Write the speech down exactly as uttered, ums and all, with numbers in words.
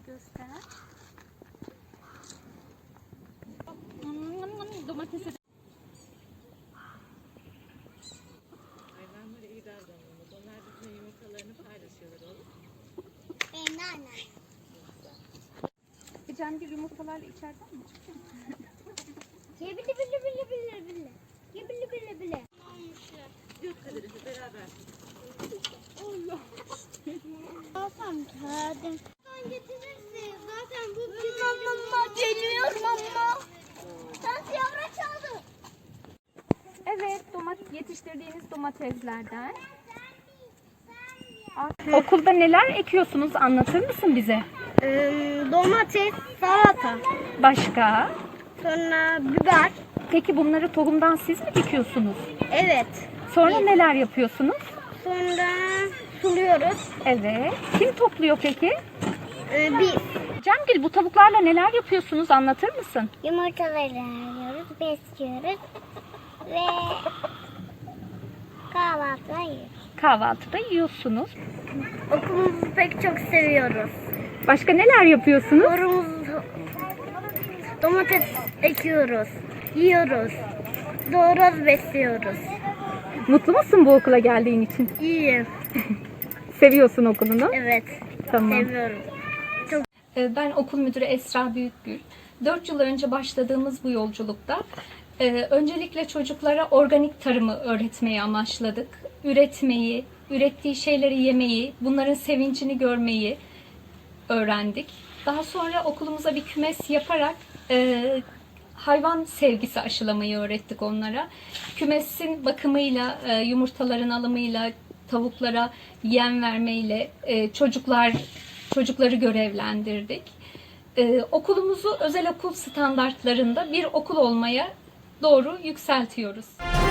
göster. Domatesi. Hayvanlara iyi davranmamız. Onlar bizim yumurtalarını paylaşıyorlar oğlum. Benim de annem. Cemgir yumurtalarla içeriden mi çıkıyor? Ye bile bile bile bile bile. Ye bile bile bile. Yok kadarıyla beraber. Allah. Alsam kağıdım. Sen getirirsin. Zaten bu bir mama geliyorum ama. Sen yavra çaldı. Evet, domates yetiştirdiğiniz domateslerden. Okulda neler ekiyorsunuz? Anlatır mısın bize? Ee, domates, salata, Başka? sonra biber. Peki bunları tohumdan siz mi dikiyorsunuz? Evet. Sonra neler yapıyorsunuz? Sonra suluyoruz. Evet. Kim topluyor peki? Ee, biz Cemgil, bu tavuklarla neler yapıyorsunuz? Anlatır mısın? yumurtaları alıyoruz, besliyoruz ve kahvaltıda yiyoruz. Kahvaltıda yiyorsunuz. Okulumuzu pek çok seviyoruz. Başka neler yapıyorsunuz? Orumuz, domates ekiyoruz, yiyoruz, doğruyoruz, besliyoruz. Mutlu musun bu okula geldiğin için? İyi, Seviyorsun okulunu. evet, Tamam. seviyorum. Ee, Ben okul müdürü Esra Büyükgül. dört yıl önce başladığımız bu yolculukta e, öncelikle çocuklara organik tarımı öğretmeyi amaçladık. Üretmeyi, ürettiği şeyleri yemeyi, bunların sevincini görmeyi öğrendik. Daha sonra okulumuza bir kümes yaparak e, hayvan sevgisi aşılamayı öğrettik onlara. Kümesin bakımıyla, e, yumurtaların alımıyla, tavuklara yem vermeyle e, çocuklar çocukları görevlendirdik. E, okulumuzu özel okul standartlarında bir okul olmaya doğru yükseltiyoruz.